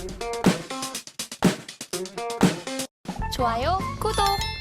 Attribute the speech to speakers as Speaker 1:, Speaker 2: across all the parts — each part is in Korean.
Speaker 1: 좋아요, 구독.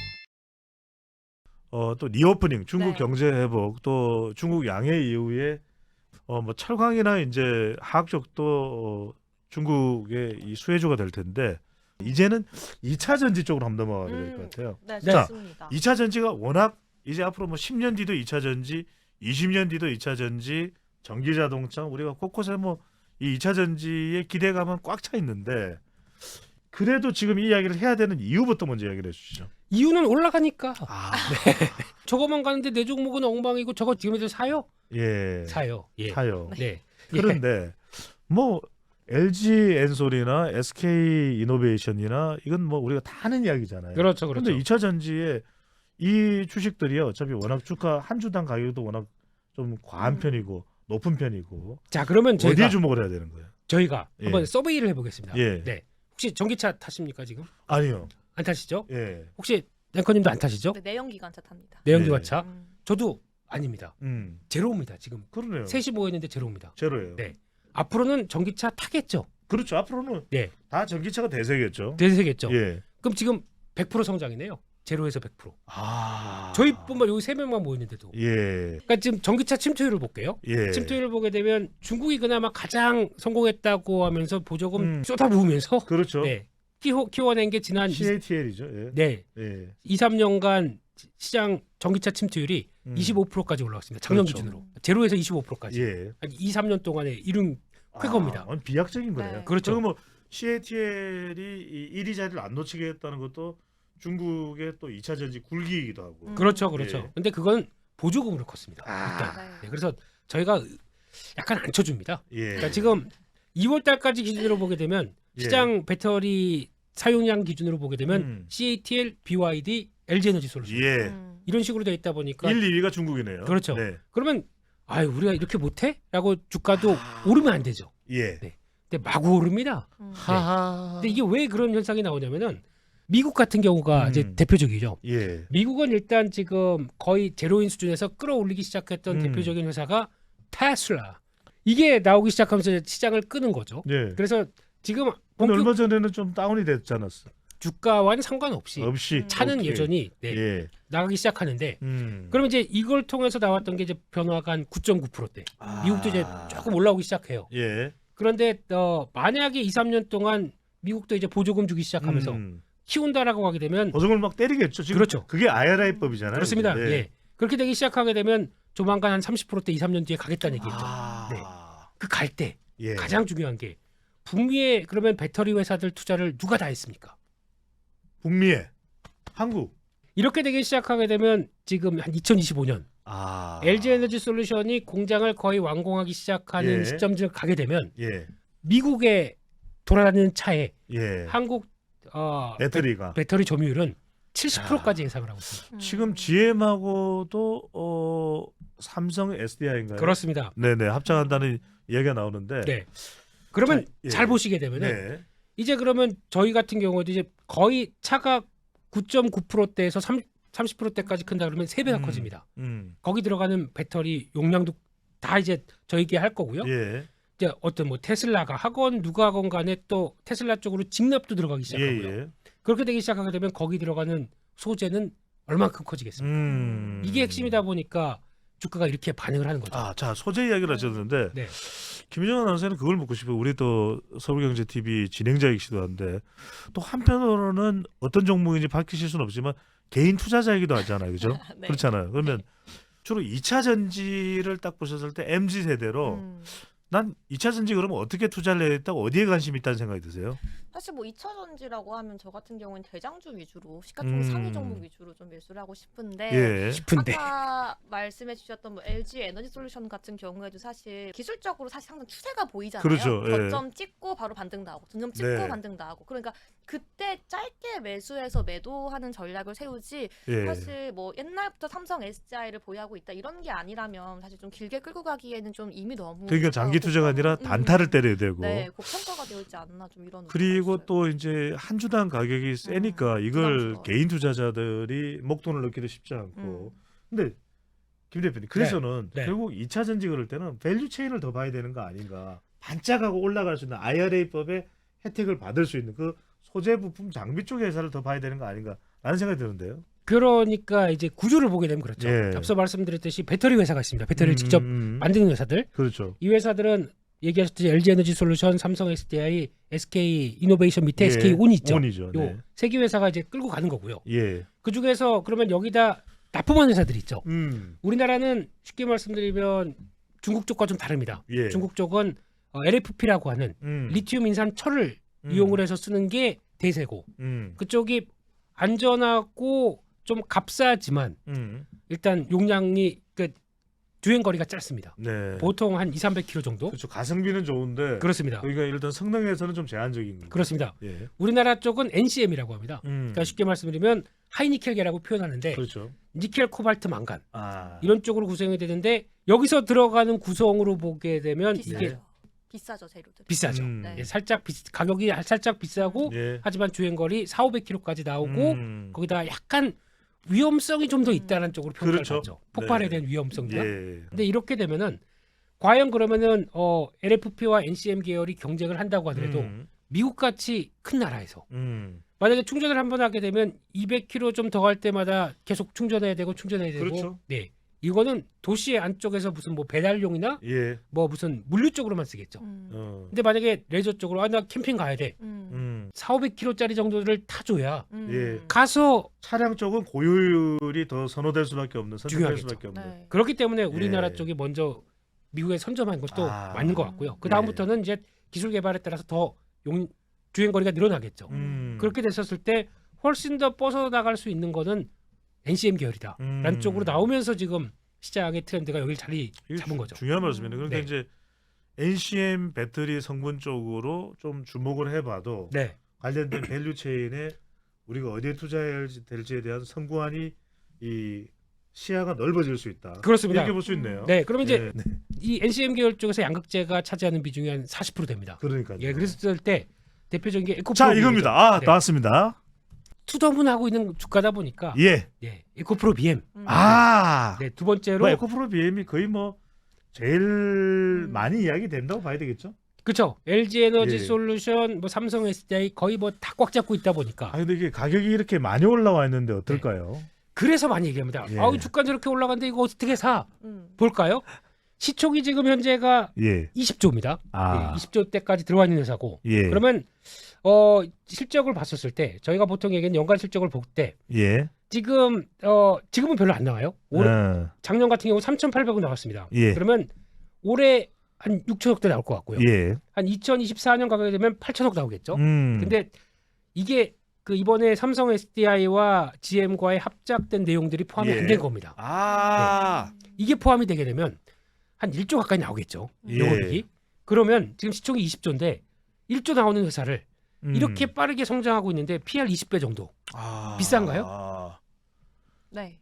Speaker 2: 또 리오프닝, 중국
Speaker 1: 네.
Speaker 2: 경제 회복, 또 중국 양해 이후에 뭐 철강이나 이제 화학적도 중국의 이 수혜주가 될 텐데 이제는 2차 전지 쪽으로 한번 넘어가야 될 것 같아요.
Speaker 1: 네,
Speaker 2: 자,
Speaker 1: 좋습니다.
Speaker 2: 2차 전지가 워낙 이제 앞으로 뭐 10년 뒤도 2차 전지, 20년 뒤도 2차 전지, 전기 자동차 우리가 곳곳에 뭐 이 2차 전지의 기대감은 꽉 차 있는데 그래도 지금 이 이야기를 해야 되는 이유부터 먼저 이야기를 해주시죠.
Speaker 3: 이유는 올라가니까.
Speaker 2: 아,
Speaker 3: 저거만 가는데 내 종목은 엉망이고 저거 지금도 사요?
Speaker 2: 예,
Speaker 3: 사요. 예.
Speaker 2: 사요.
Speaker 3: 네.
Speaker 2: 그런데 뭐 LG 엔솔이나 SK 이노베이션이나 이건 뭐 우리가 다 하는 이야기잖아요.
Speaker 3: 그렇죠, 그렇죠.
Speaker 2: 그런데 2차 전지에 이 주식들이 어차피 워낙 주가 한 주당 가격도 워낙 좀 과한 편이고 높은 편이고
Speaker 3: 자, 그러면
Speaker 2: 어디에 주목을 해야 되는 거예요?
Speaker 3: 저희가
Speaker 2: 예.
Speaker 3: 한번 서베이를 해보겠습니다.
Speaker 2: 예.
Speaker 3: 네. 혹시 전기차 타십니까 지금?
Speaker 2: 아니요.
Speaker 3: 안 타시죠?
Speaker 2: 예.
Speaker 3: 혹시 랭커님도 안 타시죠?
Speaker 1: 네, 내연기관차 탑니다.
Speaker 3: 내연기관차?
Speaker 1: 음.
Speaker 3: 저도 아닙니다. 제로입니다. 지금
Speaker 2: 그러네요.
Speaker 3: 셋이 모였는데 제로입니다.
Speaker 2: 제로예요.
Speaker 3: 네. 앞으로는 전기차 타겠죠?
Speaker 2: 그렇죠. 앞으로는
Speaker 3: 네.
Speaker 2: 다 전기차가 대세겠죠.
Speaker 3: 대세겠죠?
Speaker 2: 예.
Speaker 3: 그럼 지금 100% 성장이네요. 제로에서 100%.
Speaker 2: 아.
Speaker 3: 저희뿐만 여기 3명만 모였는데도.
Speaker 2: 예.
Speaker 3: 그러니까 지금 전기차 침투율을 볼게요.
Speaker 2: 예.
Speaker 3: 침투율을 보게 되면 중국이 그나마 가장 성공했다고 하면서 보조금
Speaker 2: 음.
Speaker 3: 쏟아부으면서
Speaker 2: 그렇죠.
Speaker 3: 네. 키워낸 게 지난
Speaker 2: CATL이죠. 예.
Speaker 3: 네.
Speaker 2: 예.
Speaker 3: 2, 3년간 시장 전기차 침투율이 25%까지 올라왔습니다. 작년
Speaker 2: 그렇죠.
Speaker 3: 기준으로. 제로에서 25%까지.
Speaker 2: 예.
Speaker 3: 한 2, 3년 동안에 이룬 쾌거입니다.
Speaker 2: 비약적인 거네요.
Speaker 1: 네.
Speaker 3: 그렇죠.
Speaker 2: 그리고 뭐 CATL이 1위 자리를 안 놓치겠다는 것도 중국의 또 2차 전지 굴기이기도 하고.
Speaker 3: 그렇죠. 그렇죠.
Speaker 2: 예.
Speaker 3: 근데 그건 보조금으로 컸습니다. 일단.
Speaker 1: 네.
Speaker 3: 네, 그래서 저희가 약간 안 쳐줍니다.
Speaker 2: 예.
Speaker 3: 그러니까 지금 2월 달까지 기준으로 보게 되면
Speaker 2: 예.
Speaker 3: 시장 배터리 사용량 기준으로 보게 되면
Speaker 2: 음.
Speaker 3: CATL, BYD, LG에너지 솔루션
Speaker 2: 예.
Speaker 3: 이런 식으로 돼 있다 보니까
Speaker 2: 1, 2위가 중국이네요.
Speaker 3: 그렇죠.
Speaker 2: 네.
Speaker 3: 그러면 아유 우리가 이렇게 못해? 라고 주가도
Speaker 2: 아.
Speaker 3: 오르면 안 되죠.
Speaker 2: 예.
Speaker 3: 네. 근데 마구 오릅니다.
Speaker 2: 하하.
Speaker 3: 근데 이게 왜 그런 현상이 나오냐면은 미국 같은 경우가 이제
Speaker 2: 음.
Speaker 3: 대표적이죠.
Speaker 2: 예.
Speaker 3: 미국은 일단 지금 거의 제로인 수준에서 끌어올리기 시작했던 대표적인 회사가 테슬라. 이게 나오기 시작하면서 시장을 끄는 거죠.
Speaker 2: 예.
Speaker 3: 그래서 지금
Speaker 2: 근데
Speaker 3: 본격
Speaker 2: 얼마 전에는 좀 다운이 됐지 않았어?
Speaker 3: 주가와는 상관없이
Speaker 2: 없이
Speaker 3: 차는
Speaker 2: 오케이.
Speaker 3: 여전히 네,
Speaker 2: 예.
Speaker 3: 나가기 시작하는데
Speaker 2: 음.
Speaker 3: 그러면 이제 이걸 통해서 나왔던 게 이제 변화가 한 9.9%대. 미국도 이제 조금 올라오기 시작해요.
Speaker 2: 예.
Speaker 3: 그런데 만약에 2, 3년 동안 미국도 이제 보조금 주기 시작하면서 키운다라고 하게 되면
Speaker 2: 보증을 막 때리겠죠. 지금
Speaker 3: 그렇죠.
Speaker 2: 그게 IRA법이잖아요.
Speaker 3: 그렇습니다.
Speaker 2: 예.
Speaker 3: 예. 그렇게 되기 시작하게 되면 조만간 한 30%대 2, 3년 뒤에 가겠다는 얘기겠죠.
Speaker 2: 아.
Speaker 3: 네. 그 갈 때
Speaker 2: 예.
Speaker 3: 가장 중요한 게 북미의 그러면 배터리 회사들 투자를 누가 다 했습니까?
Speaker 2: 북미에 한국.
Speaker 3: 이렇게 되기 시작하게 되면 지금 한 2025년
Speaker 2: 아.
Speaker 3: LG 에너지 솔루션이 공장을 거의 완공하기 시작하는
Speaker 2: 예.
Speaker 3: 시점을 가게 되면
Speaker 2: 예.
Speaker 3: 미국에 돌아다니는 차에
Speaker 2: 예.
Speaker 3: 한국
Speaker 2: 배터리가
Speaker 3: 배터리 점유율은 70%까지 예상을 하고 있습니다.
Speaker 2: 지금 GM하고도 삼성 SDI인가요?
Speaker 3: 그렇습니다.
Speaker 2: 네네 합작한다는 얘기가 나오는데.
Speaker 3: 네. 그러면
Speaker 2: 자, 예.
Speaker 3: 잘 보시게 되면은
Speaker 2: 네.
Speaker 3: 이제 그러면 저희 같은 경우에도 이제 거의 차가 9.9%대에서 30%대까지 큰다 그러면 3배가 커집니다. 거기 들어가는 배터리 용량도 다 이제 저희게 할 거고요.
Speaker 2: 예.
Speaker 3: 이제 어떤 뭐 테슬라가 하건 누가 하건 간에 또 테슬라 쪽으로 직납도 들어가기 시작하고요.
Speaker 2: 예.
Speaker 3: 그렇게 되기 시작하게 되면 거기 들어가는 소재는 얼만큼 커지겠습니까? 이게 핵심이다 보니까 주가가 이렇게 반응을 하는 거죠.
Speaker 2: 아, 자 소재 이야기를 하셨는데
Speaker 3: 네.
Speaker 2: 김희정 아나운서는 그걸 묻고 싶어요. 우리 또 서울경제TV 진행자이기도 한데 또 한편으로는 어떤 종목인지 밝히실 수는 없지만 개인 투자자이기도 하잖아요, 그죠?
Speaker 1: 네.
Speaker 2: 그렇잖아요. 그러면 주로 2차 전지를 딱 보셨을 때 MZ 세대로 난 2차 전지 그러면 어떻게 투자를 해야 겠다고 어디에 관심이 있다는 생각이 드세요?
Speaker 1: 사실 뭐 2차 전지라고 하면 저 같은 경우는 대장주 위주로 시가총액 상위 종목 위주로 좀 매수를 하고 싶은데
Speaker 2: 예.
Speaker 3: 싶은데
Speaker 1: 아까 말씀해 주셨던 뭐 LG 에너지 솔루션 같은 경우에도 사실 기술적으로 사실 항상 추세가 보이잖아요.
Speaker 2: 그렇죠. 예.
Speaker 1: 저점 찍고 바로 반등 나오고 중점 찍고
Speaker 2: 네.
Speaker 1: 반등 나오고 그러니까 그때 짧게 매수해서 매도하는 전략을 세우지
Speaker 2: 예.
Speaker 1: 사실 뭐 옛날부터 삼성 SDI를 보유하고 있다 이런 게 아니라면 사실 좀 길게 끌고 가기에는 좀 이미 너무
Speaker 2: 그러니까 장기 투자가 아니라
Speaker 1: 고평-
Speaker 2: 단타를 때려야 되고.
Speaker 1: 네, 고평가가 되어 있지 않나 좀 이런
Speaker 2: 그리고
Speaker 1: 의견이 있어요.
Speaker 2: 또 이제 한 주당 가격이 세니까 이걸
Speaker 1: 부담스러워요.
Speaker 2: 개인 투자자들이 목돈을 넣기도 쉽지 않고. 근데 김 대표님 그래서는
Speaker 3: 네.
Speaker 2: 결국 2차 전지 그럴 때는 밸류 체인을 더 봐야 되는 거 아닌가. 반짝하고 올라갈 수 있는 IRA법의 혜택을 받을 수 있는 그 소재 부품 장비 쪽의 회사를 더 봐야 되는 거 아닌가라는 생각이 드는데요.
Speaker 3: 그러니까 이제 구조를 보게 되면 그렇죠.
Speaker 2: 예.
Speaker 3: 앞서 말씀드렸듯이 배터리 회사가 있습니다. 배터리를 직접 만드는 회사들.
Speaker 2: 그렇죠.
Speaker 3: 이 회사들은 얘기하셨듯이 LG 에너지 솔루션, 삼성 SDI, SK 이노베이션 밑에
Speaker 2: 예.
Speaker 3: SK 온 있죠.
Speaker 2: 온이죠. 네.
Speaker 3: 요 세 개 회사가 이제 끌고 가는 거고요.
Speaker 2: 예.
Speaker 3: 그 중에서 그러면 여기다 납품하는 회사들이 있죠.
Speaker 2: 음.
Speaker 3: 우리나라는 쉽게 말씀드리면 중국 쪽과 좀 다릅니다.
Speaker 2: 예.
Speaker 3: 중국 쪽은 LFP라고 하는 리튬 인산 철을 이용을 해서 쓰는 게 대세고 그쪽이 안전하고 좀 값싸지만 일단 용량이 그 주행 거리가 짧습니다.
Speaker 2: 네.
Speaker 3: 보통 한 200-300km 정도.
Speaker 2: 그렇죠. 가성비는 좋은데
Speaker 3: 그렇습니다.
Speaker 2: 여기가 일단 성능에서는 좀 제한적인 거죠.
Speaker 3: 그렇습니다.
Speaker 2: 예.
Speaker 3: 우리나라 쪽은 NCM이라고 합니다. 그러니까 쉽게 말씀드리면 하이니켈계라고 표현하는데
Speaker 2: 그렇죠.
Speaker 3: 니켈, 코발트, 망간
Speaker 2: 아.
Speaker 3: 이런 쪽으로 구성이 되는데 여기서 들어가는 구성으로 보게 되면
Speaker 1: 비싸죠.
Speaker 3: 이게
Speaker 1: 비싸죠 재료들.
Speaker 3: 비싸죠.
Speaker 1: 네.
Speaker 3: 예, 살짝 가격이 살짝 비싸고
Speaker 2: 예.
Speaker 3: 하지만 주행거리 4-500km까지 나오고 거기다 약간 위험성이 좀 더 있다는 쪽으로 평가를
Speaker 2: 그렇죠.
Speaker 3: 받죠. 폭발에
Speaker 2: 네.
Speaker 3: 대한 위험성이나.
Speaker 2: 예.
Speaker 3: 근데 이렇게 되면은 과연 그러면은 LFP와 NCM 계열이 경쟁을 한다고 하더라도 미국 같이 큰 나라에서 만약에 충전을 한번 하게 되면 200km 좀 더 갈 때마다 계속 충전해야 되고 충전해야 되고.
Speaker 2: 그렇죠.
Speaker 3: 네. 이거는 도시 안쪽에서 무슨 뭐 배달용이나
Speaker 2: 예.
Speaker 3: 뭐 무슨 물류 쪽으로만 쓰겠죠. 근데 만약에 레저 쪽으로 나 캠핑 가야 돼. 4-500km짜리 정도를 타줘야
Speaker 2: 예.
Speaker 3: 가서
Speaker 2: 차량 쪽은 고효율이 더 선호될 수밖에 없는 선택될
Speaker 3: 중요하겠죠.
Speaker 2: 수밖에 없는.
Speaker 1: 네.
Speaker 3: 그렇기 때문에 우리나라
Speaker 2: 예.
Speaker 3: 쪽이 먼저 미국에 선점한 것도
Speaker 2: 아.
Speaker 3: 맞는 것 같고요. 그 다음부터는 이제 기술 개발에 따라서 더 주행 거리가 늘어나겠죠. 그렇게 됐었을 때 훨씬 더 뻗어나갈 수 있는 거는 NCM 계열이다라는 쪽으로 나오면서 지금 시장의 트렌드가 여기를 자리
Speaker 2: 이게
Speaker 3: 잡은 거죠.
Speaker 2: 중요한 말씀이네요. 그러니까
Speaker 3: 네.
Speaker 2: 이제 NCM 배터리 성분 쪽으로 좀 주목을 해봐도
Speaker 3: 네,
Speaker 2: 관련된 밸류 체인에 우리가 어디에 투자해야 될지에 대한 선구안이 이 시야가 넓어질 수 있다.
Speaker 3: 그렇습니다.
Speaker 2: 이렇게 볼 수 있네요.
Speaker 3: 네, 그러면 이제
Speaker 2: 네.
Speaker 3: 이 NCM 계열 쪽에서 양극재가 차지하는 비중이 한 40% 됩니다.
Speaker 2: 그러니까요.
Speaker 3: 예, 그랬을 때 대표적인 게 에코프로.
Speaker 2: 자 이겁니다. 아
Speaker 3: 네.
Speaker 2: 나왔습니다.
Speaker 3: 투더분하고 있는 주가다 보니까
Speaker 2: 예.
Speaker 3: 에코프로 BM.
Speaker 2: 아.
Speaker 3: 네, 두 번째로
Speaker 2: 뭐 에코프로 BM이 거의 뭐 제일 많이 이야기 된다고 봐야 되겠죠.
Speaker 3: 그렇죠. LG 에너지
Speaker 2: 예.
Speaker 3: 솔루션, 뭐 삼성 SDI 거의 뭐 다 꽉 잡고 있다 보니까
Speaker 2: 아 근데 이게 가격이 이렇게 많이 올라와 있는데 어떨까요?
Speaker 3: 그래서 많이 얘기합니다.
Speaker 2: 예.
Speaker 3: 아우 주가 저렇게 올라갔는데 이거 어떻게 사? 볼까요? 시총이 지금 현재가
Speaker 2: 예.
Speaker 3: 20조입니다.
Speaker 2: 아.
Speaker 3: 20조 대까지 들어와 있는 회사고.
Speaker 2: 예.
Speaker 3: 그러면 실적을 봤었을 때 저희가 보통 얘기하는 연간 실적을 볼 때
Speaker 2: 예.
Speaker 3: 지금은 별로 안 나와요. 올해 작년 같은 경우 3,800원 나왔습니다.
Speaker 2: 예.
Speaker 3: 그러면 올해 한 6천억대 나올 것 같고요.
Speaker 2: 예.
Speaker 3: 한 2024년 가격이 되면 8천억 나오겠죠.
Speaker 2: 음.
Speaker 3: 근데 이게 그 이번에 삼성 SDI와 GM과의 합작된 내용들이 포함이
Speaker 2: 예.
Speaker 3: 안 된 겁니다.
Speaker 2: 아.
Speaker 3: 이게 포함이 되게 되면 한 1조 가까이 나오겠죠.
Speaker 2: 예.
Speaker 3: 영업이익이. 그러면 지금 시총이 20조인데 1조 나오는 회사를 이렇게 빠르게 성장하고 있는데 PR 20배 정도.
Speaker 2: 아.
Speaker 3: 비싼가요?
Speaker 2: 아.
Speaker 1: 네.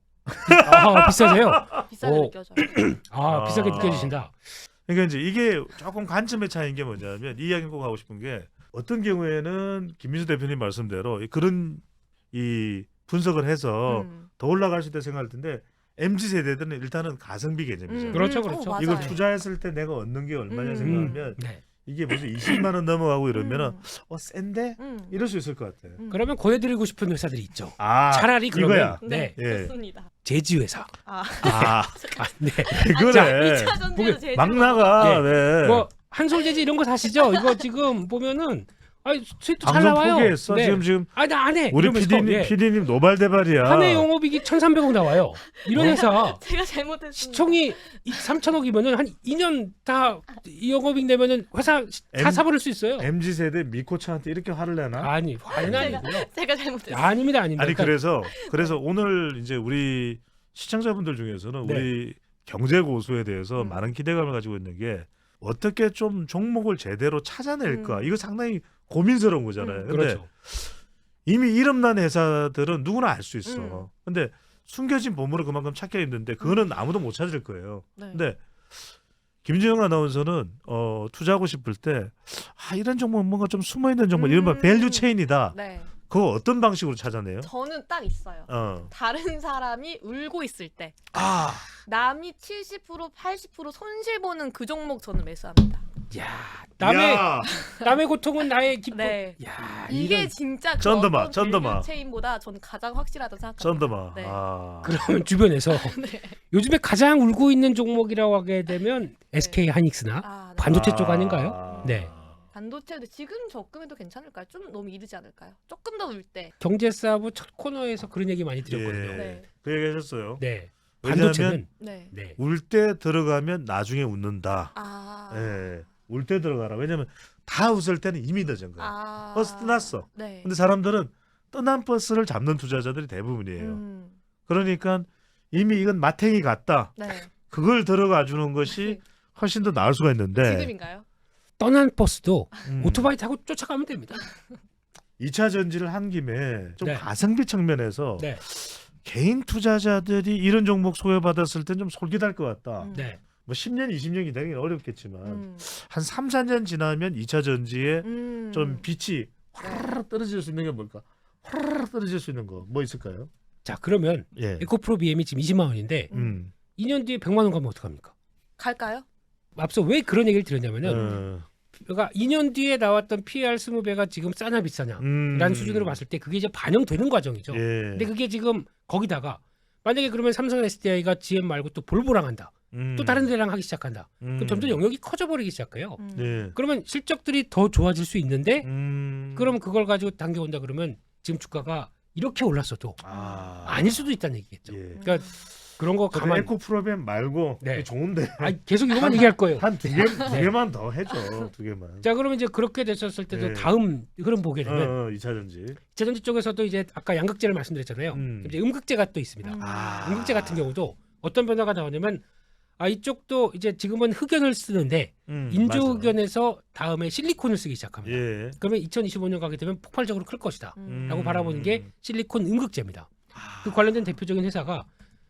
Speaker 3: 아, 비싸세요?
Speaker 1: 비싸게
Speaker 3: 오.
Speaker 1: 느껴져요.
Speaker 3: 아, 비싸게
Speaker 2: 아.
Speaker 3: 느껴지신다.
Speaker 2: 그러니까 이제 이게 조금 관점의 차이인 게 뭐냐면 이 이야기 꼭 하고 싶은 게 어떤 경우에는 김민수 대표님 말씀대로 그런 이 분석을 해서 더 올라갈 수 있다 생각할 텐데 MZ 세대들은 일단은 가성비 개념이죠.
Speaker 3: 그렇죠, 그렇죠.
Speaker 1: 맞아요.
Speaker 2: 이걸 투자했을 때 내가 얻는 게 얼마냐 생각하면
Speaker 3: 네.
Speaker 2: 이게 무슨 20만 원 넘어가고 이러면은 센데 이럴 수 있을 것 같아.
Speaker 3: 그러면 권해드리고 싶은 회사들이 있죠.
Speaker 2: 아
Speaker 3: 차라리 그러면
Speaker 2: 이거야.
Speaker 3: 네.
Speaker 2: 예.
Speaker 1: 좋습니다.
Speaker 3: 제지 회사.
Speaker 1: 아,
Speaker 2: 아
Speaker 3: 네.
Speaker 2: 그래.
Speaker 1: 차전지도 제일
Speaker 2: 막 나가.
Speaker 3: 예.
Speaker 2: 왜?
Speaker 3: 뭐 한솔제지 이런 거 사시죠? 이거 지금 보면은 수익도 잘
Speaker 2: 방송
Speaker 3: 나와요.
Speaker 2: 포기했어.
Speaker 3: 네.
Speaker 2: 지금
Speaker 3: 나 안 해.
Speaker 2: 우리
Speaker 3: 이러면서,
Speaker 2: PD님 노발대발이야.
Speaker 3: 한 해 영업이익이 1,300억 나와요. 이런 회사
Speaker 1: 제가 잘못했습니다.
Speaker 3: 시총이 3,000억이면은 한 2년 다 영업이익 내면은 회사 다 사버릴 수 있어요.
Speaker 2: MZ 세대 미코차한테 이렇게 화를 내나?
Speaker 3: 아니 화는 아니고요.
Speaker 1: 제가 잘못했어요.
Speaker 3: 아닙니다.
Speaker 2: 아니
Speaker 3: 그러니까
Speaker 2: 그래서 오늘 이제 우리 시청자분들 중에서는
Speaker 3: 네.
Speaker 2: 우리 경제 고수에 대해서 많은 기대감을 가지고 있는 게 어떻게 좀 종목을 제대로 찾아낼까? 이거 상당히 고민스러운 거잖아요. 근데
Speaker 3: 그렇죠.
Speaker 2: 이미 이름난 회사들은 누구나 알 수 있어. 근데 숨겨진 보물을 그만큼 찾기 힘든데 그거는 아무도 못 찾을 거예요.
Speaker 1: 네.
Speaker 2: 근데 김진영 아나운서는 투자하고 싶을 때 이런 종목은 뭔가 좀 숨어있는 종목 이른바 밸류 체인이다.
Speaker 1: 네.
Speaker 2: 그거 어떤 방식으로 찾아내요?
Speaker 1: 저는 딱 있어요. 다른 사람이 울고 있을 때
Speaker 2: 아
Speaker 1: 남이 70% 80% 손실 보는 그 종목 저는 매수합니다.
Speaker 3: 야, 남의
Speaker 2: 야,
Speaker 3: 남의 고통은 나의 기쁨.
Speaker 1: 네.
Speaker 3: 야,
Speaker 1: 이게
Speaker 3: 이런-
Speaker 1: 진짜 그
Speaker 2: 쩐드마,
Speaker 1: 어떤
Speaker 2: 쩐드마.
Speaker 1: 밸류 체인보다 저는 가장 확실하다고 생각합니다.
Speaker 2: 쩐드마.
Speaker 1: 네.
Speaker 2: 아.
Speaker 3: 그러면 주변에서
Speaker 1: 네.
Speaker 3: 요즘에 가장 울고 있는 종목이라고 하게 되면 SK 하이닉스나
Speaker 1: 아, 네.
Speaker 3: 반도체 쪽 아닌가요? 네.
Speaker 1: 반도체도 지금 접근해도 괜찮을까요? 좀 너무 이르지 않을까요? 조금 더 울 때.
Speaker 3: 경제사부 첫 코너에서 그런 얘기 많이 드렸거든요.
Speaker 2: 예.
Speaker 1: 네.
Speaker 2: 그 얘기 하셨어요.
Speaker 3: 네.
Speaker 2: 왜냐하면
Speaker 3: 반도체는
Speaker 1: 네.
Speaker 3: 네.
Speaker 2: 울 때 들어가면 나중에 웃는다.
Speaker 1: 아.
Speaker 2: 예. 울 때 들어가라. 왜냐면 다 웃을 때는 이미 늦은 거야.
Speaker 1: 아.
Speaker 2: 버스 떠났어.
Speaker 1: 네.
Speaker 2: 근데 사람들은 떠난 버스를 잡는 투자자들이 대부분이에요.
Speaker 1: 음.
Speaker 2: 그러니까 이미 이건 마탱이 같다.
Speaker 1: 네.
Speaker 2: 그걸 들어가 주는 것이 훨씬 더 나을 수가 있는데
Speaker 1: 지금인가요?
Speaker 3: 떠난 버스도
Speaker 2: 음,
Speaker 3: 오토바이 타고 쫓아가면 됩니다.
Speaker 2: 2차 전지를 한 김에 좀
Speaker 3: 네.
Speaker 2: 가성비 측면에서
Speaker 3: 네.
Speaker 2: 개인 투자자들이 이런 종목 소외받았을 땐 좀 솔깃할 것 같다.
Speaker 1: 음.
Speaker 2: 뭐 10년, 20년 기다리긴 어렵겠지만
Speaker 1: 음.
Speaker 2: 한 3, 4년 지나면 2차 전지에
Speaker 1: 음.
Speaker 2: 좀 빛이 화르르 떨어질 수 있는 게 뭘까? 화르르 떨어질 수 있는 거 뭐 있을까요?
Speaker 3: 자, 그러면
Speaker 2: 예.
Speaker 3: 에코프로 BM이 지금 20만 원인데 2년 뒤에 100만 원 가면 어떡합니까?
Speaker 1: 갈까요?
Speaker 3: 앞서 왜 그런 얘기를 드렸냐면은
Speaker 2: 어,
Speaker 3: 그러니까 2년 뒤에 나왔던 PER 20배가 지금 싸냐 비싸냐 라는 수준으로 봤을 때 그게 이제 반영되는 과정이죠.
Speaker 2: 예.
Speaker 3: 근데 그게 지금 거기다가 만약에 그러면 삼성 SDI가 GM 말고 또 볼보랑 한다. 또 다른 데랑 하기 시작한다. 그럼 점점 영역이 커져 버리기 시작해요.
Speaker 2: 예.
Speaker 3: 그러면 실적들이 더 좋아질 수 있는데
Speaker 2: 음.
Speaker 3: 그럼 그걸 가지고 당겨온다 그러면 지금 주가가 이렇게 올랐어도
Speaker 2: 아.
Speaker 3: 아닐 수도 있다는 얘기겠죠.
Speaker 2: 예.
Speaker 3: 그러니까 그런 거 가만
Speaker 2: 에코 프로그램 말고
Speaker 3: 네.
Speaker 2: 좋은데
Speaker 3: 계속 이거만 얘기할 거예요.
Speaker 2: 한 두 개만 더 해줘. 두 개만.
Speaker 3: 자, 그러면 이제 그렇게 됐었을 때도
Speaker 2: 네.
Speaker 3: 다음 흐름 보게 되면
Speaker 2: 2차 전지.
Speaker 3: 재정지 쪽에서도 이제 아까 양극재를 말씀드렸잖아요. 이제 음극재가 또 있습니다.
Speaker 2: 아.
Speaker 3: 음극재 같은 경우도 어떤 변화가 나오냐면 이쪽도 이제 지금은 흑연을 쓰는데 인조
Speaker 2: 맞아.
Speaker 3: 흑연에서 다음에 실리콘을 쓰기 시작합니다.
Speaker 2: 예.
Speaker 3: 그러면 2025년 가게 되면 폭발적으로 클 것이다. 라고 바라보는 게
Speaker 2: 음.
Speaker 3: 실리콘 음극재입니다. 그 관련된 대표적인 회사가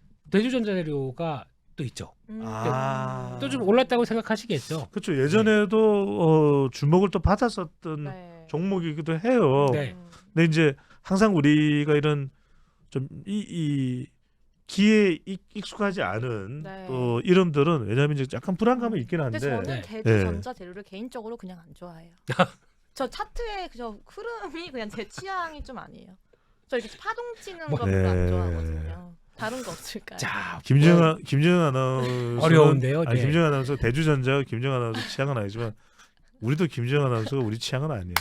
Speaker 3: 대주전자재료가 또 있죠.
Speaker 2: 아.
Speaker 3: 또 좀 올랐다고 생각하시겠죠.
Speaker 2: 그렇죠. 예전에도 주목을 또 받았었던
Speaker 1: 네.
Speaker 2: 종목이기도 해요.
Speaker 3: 네.
Speaker 2: 근데 이제 항상 우리가 이런 좀 이 기에 익숙하지 않은
Speaker 1: 네.
Speaker 2: 또 이름들은 왜냐하면 이제 약간 불안감이 있긴
Speaker 1: 근데
Speaker 2: 한데.
Speaker 1: 저는
Speaker 3: 네.
Speaker 1: 대주전자 재료를 개인적으로 그냥 안 좋아해요. 저 차트의 저 흐름이 그냥 제 취향이 좀 아니에요. 저 이렇게 파동 치는 거 별로 안
Speaker 2: 네.
Speaker 1: 좋아하거든요. 다른 거 없을까요?
Speaker 3: 자,
Speaker 2: 김정은 아나운서
Speaker 3: 어려운데요. 네.
Speaker 2: 김정은 아나운서 대주전자 김정은 아나운서 취향은 아니지만 우리도 김정은 아나운서가 우리 취향은 아니에요.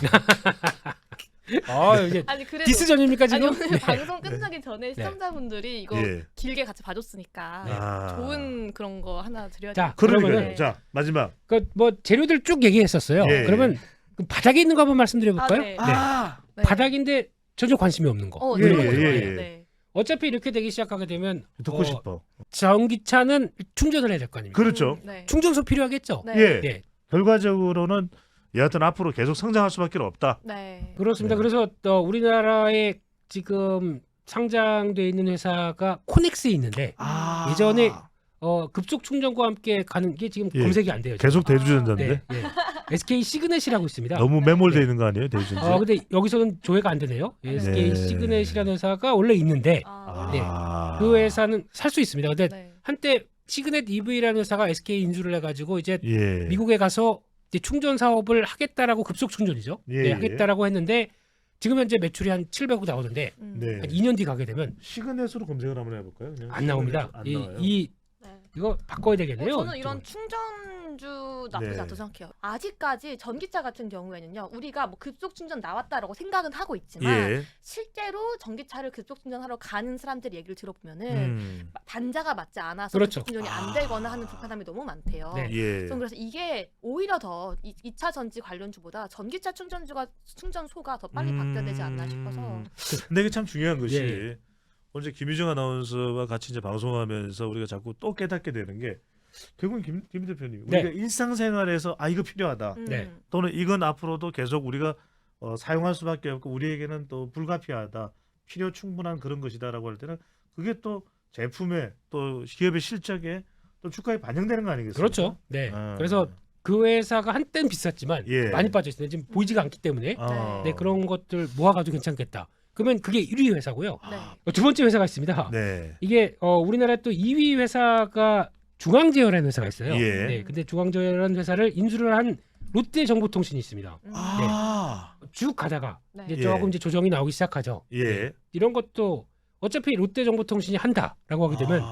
Speaker 3: 이제
Speaker 1: 아니 그래도
Speaker 3: 디스전입니까
Speaker 1: 아니
Speaker 3: 지금?
Speaker 1: 오늘
Speaker 3: 네.
Speaker 1: 방송 끝나기 전에 시청자분들이 이거
Speaker 2: 예.
Speaker 1: 길게 같이 봐줬으니까
Speaker 2: 아.
Speaker 1: 좋은 그런 거 하나 드려야
Speaker 3: 자,
Speaker 1: 돼.
Speaker 2: 그러니까요.
Speaker 3: 그러면은
Speaker 2: 자 마지막.
Speaker 3: 그 뭐 재료들 쭉 얘기했었어요.
Speaker 2: 예.
Speaker 3: 그러면 그 바닥에 있는 거 한번 말씀드려 볼까요?
Speaker 1: 네.
Speaker 3: 네. 바닥인데 전혀 관심이 없는 거.
Speaker 2: 예,
Speaker 1: 이런 거
Speaker 2: 예,
Speaker 1: 좋아해요.
Speaker 2: 예.
Speaker 1: 네.
Speaker 3: 어차피 이렇게 되기 시작하게 되면
Speaker 2: 듣고 싶어.
Speaker 3: 전기차는 충전을 해야 될 거 아닙니까?
Speaker 2: 그렇죠.
Speaker 1: 네.
Speaker 3: 충전소 필요하겠죠.
Speaker 1: 네.
Speaker 2: 예.
Speaker 3: 네.
Speaker 2: 결과적으로는 여하튼 앞으로 계속 성장할 수밖에 없다.
Speaker 1: 네.
Speaker 3: 그렇습니다.
Speaker 2: 네.
Speaker 3: 그래서 우리나라에 지금 상장돼 있는 회사가 코넥스에 있는데 예전에 급속 충전과 함께 가는 게 지금
Speaker 2: 예.
Speaker 3: 검색이 안 돼요. 지금.
Speaker 2: 계속 대주전자인데
Speaker 3: 네, 네. SK 시그넷이라고 있습니다.
Speaker 2: 너무 매몰돼
Speaker 3: 네.
Speaker 2: 있는 거 아니에요, 대주전자?
Speaker 3: 근데 여기서는 조회가 안 되네요. SK
Speaker 2: 네.
Speaker 3: 시그넷이라는 회사가 원래 있는데 네. 그 회사는 살 수 있습니다. 근데
Speaker 1: 네.
Speaker 3: 한때 시그넷 EV라는 회사가 SK 인수를 해가지고 이제
Speaker 2: 예.
Speaker 3: 미국에 가서 이제 충전 사업을 하겠다라고 급속 충전이죠.
Speaker 2: 예,
Speaker 3: 네,
Speaker 2: 예.
Speaker 3: 하겠다라고 했는데 지금 현재 매출이 한 700억 나오는데
Speaker 2: 네.
Speaker 3: 한 2년 뒤 가게 되면
Speaker 2: 시그넷으로 검색을 한번 해볼까요? 그냥
Speaker 3: 안 나옵니다.
Speaker 2: 안 나와요.
Speaker 3: 네. 이거 바꿔야 되겠네요.
Speaker 1: 저는 이런
Speaker 3: 이쪽은.
Speaker 1: 충전주 나쁘지
Speaker 2: 네.
Speaker 1: 않다고 생각해요. 아직까지 전기차 같은 경우에는요, 우리가 뭐 급속 충전 나왔다라고 생각은 하고 있지만
Speaker 2: 예.
Speaker 1: 실제로 전기차를 급속 충전하러 가는 사람들 얘기를 들어보면은 단자가 맞지 않아서
Speaker 3: 그렇죠.
Speaker 1: 급속 충전이 안 되거나 하는 불편함이 너무 많대요.
Speaker 3: 네.
Speaker 2: 예.
Speaker 1: 저는 그래서 이게 오히려 더 2차 전지 관련주보다 전기차 충전소가 더 빨리 바뀌어야 되지 않나 싶어서.
Speaker 2: 근데 이게 참 중요한 것이
Speaker 3: 예.
Speaker 2: 오늘 김유정 아나운서와 같이 이제 방송하면서 우리가 자꾸 또 깨닫게 되는 게 결국은 김 대표님
Speaker 3: 네.
Speaker 2: 우리가 일상생활에서 이거 필요하다
Speaker 3: 네.
Speaker 2: 또는 이건 앞으로도 계속 우리가 사용할 수밖에 없고 우리에게는 또 불가피하다 필요 충분한 그런 것이다라고 할 때는 그게 또 제품에 또 기업의 실적에 또 주가에 반영되는 거 아니겠습니까?
Speaker 3: 그렇죠. 네.
Speaker 2: 아.
Speaker 3: 그래서 그 회사가 한때는 비쌌지만
Speaker 2: 예.
Speaker 3: 많이 빠져 있어요. 지금 보이지가 않기 때문에
Speaker 2: 아.
Speaker 3: 네, 그런 것들 모아가지고 괜찮겠다. 그러면 그게 1위 회사고요.
Speaker 1: 네.
Speaker 3: 두 번째 회사가 있습니다.
Speaker 2: 네.
Speaker 3: 이게 우리나라 또 2위 회사가 중앙제어라는 회사가 있어요.
Speaker 2: 예.
Speaker 3: 네, 근데 중앙제어라는 회사를 인수를 한 롯데정보통신이 있습니다.
Speaker 2: 아,
Speaker 3: 쭉 가다가
Speaker 1: 네.
Speaker 3: 이제
Speaker 2: 예.
Speaker 3: 조금 이제 조정이 나오기 시작하죠.
Speaker 2: 예.
Speaker 3: 이런 것도 어차피 롯데정보통신이 한다라고 하게 되면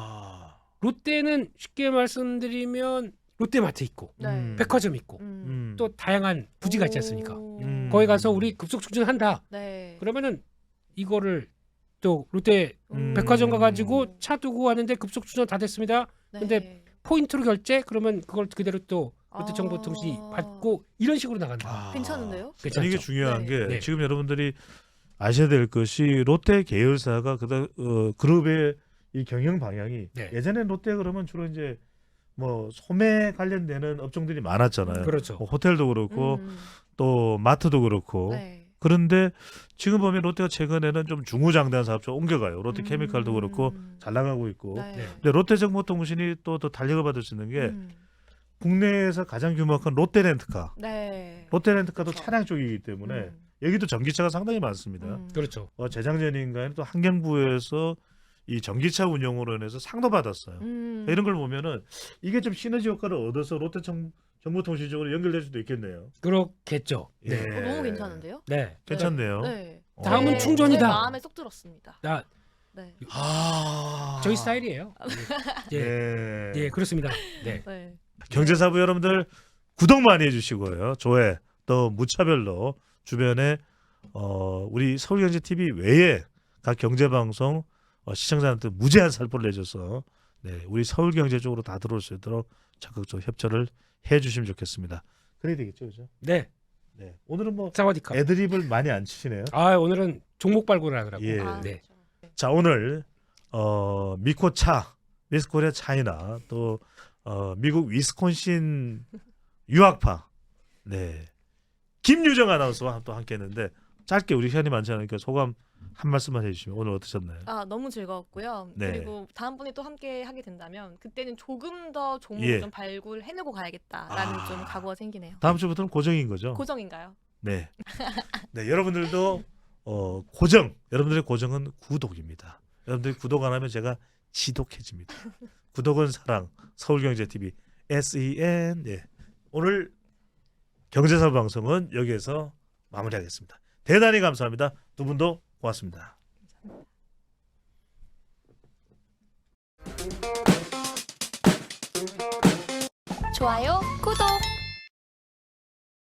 Speaker 3: 롯데는 쉽게 말씀드리면 롯데마트 있고
Speaker 1: 네.
Speaker 3: 백화점 있고
Speaker 1: 음.
Speaker 3: 또 다양한 부지가 있지 않습니까?
Speaker 1: 오.
Speaker 3: 거기 가서 우리 급속 충전한다.
Speaker 1: 네.
Speaker 3: 그러면은 이거를 또 롯데 백화점 가가지고 차 두고 왔는데 급속 충전 다 됐습니다.
Speaker 1: 네.
Speaker 3: 근데 포인트로 결제 그러면 그걸 그대로 또 롯데정보통신이
Speaker 1: 아.
Speaker 3: 받고 이런 식으로 나간다.
Speaker 2: 아.
Speaker 1: 괜찮은데요?
Speaker 3: 괜찮죠?
Speaker 2: 아니, 이게 중요한
Speaker 1: 네.
Speaker 2: 게
Speaker 3: 네.
Speaker 2: 지금 여러분들이 아셔야 될 것이 롯데 계열사가 그룹의 이 경영 방향이
Speaker 3: 네.
Speaker 2: 예전에 롯데 그러면 주로 이제 뭐 소매 관련되는 업종들이 많았잖아요.
Speaker 3: 그렇죠.
Speaker 2: 뭐 호텔도 그렇고 또 마트도 그렇고.
Speaker 1: 네.
Speaker 2: 그런데 지금 보면 롯데가 최근에는 좀 중후장대한 사업처럼 옮겨가요. 롯데케미칼도 그렇고 잘 나가고 있고.
Speaker 1: 네.
Speaker 3: 네.
Speaker 2: 근데 롯데정보통신이 또 더 달력을 받을 수 있는 게
Speaker 1: 음.
Speaker 2: 국내에서 가장 규모가 큰 롯데렌트카.
Speaker 1: 네.
Speaker 2: 롯데렌트카도
Speaker 1: 그렇죠.
Speaker 2: 차량 쪽이기 때문에
Speaker 1: 음.
Speaker 2: 여기도 전기차가 상당히 많습니다.
Speaker 3: 그렇죠.
Speaker 2: 재작년인가에 또 환경부에서 이 전기차 운용으로 인해서 상도 받았어요. 이런 걸 보면은 이게 좀 시너지 효과를 얻어서 롯데 정보통신 쪽으로 연결될 수도 있겠네요.
Speaker 3: 그렇겠죠. 네.
Speaker 2: 예.
Speaker 1: 너무 괜찮은데요?
Speaker 3: 네.
Speaker 2: 괜찮네요.
Speaker 1: 네.
Speaker 3: 다음은
Speaker 1: 네.
Speaker 3: 충전이다.
Speaker 1: 제 마음에 쏙 들었습니다.
Speaker 3: 나
Speaker 1: 네.
Speaker 3: 저희 스타일이에요. 예.
Speaker 2: 예.
Speaker 3: 예, 그렇습니다. 네.
Speaker 1: 네.
Speaker 2: 경제사부 여러분들 구독 많이 해주시고요. 조회 또 무차별로 주변에 우리 서울경제TV 외에 각 경제방송 시청자한테 무제한 살포를 내줘서 네, 우리 서울경제 쪽으로 다 들어올 수 있도록 적극적으로 협조를 해주시면 좋겠습니다. 그래야 되겠죠, 그죠?
Speaker 3: 네.
Speaker 2: 네. 오늘은 뭐
Speaker 3: 사와디카.
Speaker 2: 애드립을 많이 안 치시네요.
Speaker 3: 아, 오늘은 종목 발굴을 하더라고.
Speaker 2: 예.
Speaker 1: 아,
Speaker 3: 네.
Speaker 1: 그렇죠.
Speaker 2: 자, 오늘 미코차, 미스코리아 차이나 또 미국 위스콘신 유학파 네 김유정 아나운서와 또 함께했는데 짧게 우리 시간이 많지 않으니까 소감 한 말씀만 해주시면 오늘 어떠셨나요?
Speaker 1: 아, 너무 즐거웠고요.
Speaker 2: 네.
Speaker 1: 그리고 다음 분이 또 함께 하게 된다면 그때는 조금 더 종목을
Speaker 2: 예.
Speaker 1: 좀 발굴해내고 가야겠다라는 좀 각오가 생기네요.
Speaker 2: 다음 주부터는 고정인 거죠?
Speaker 1: 고정인가요?
Speaker 2: 네. 네, 여러분들도 여러분들의 고정은 구독입니다. 여러분들이 구독 안 하면 제가 지독해집니다. 구독은 사랑, 서울경제TV SEN. 네. 오늘 경제사부 방송은 여기에서 마무리하겠습니다. 대단히 감사합니다. 두 분도 고맙습니다.
Speaker 4: 좋아요, 구독!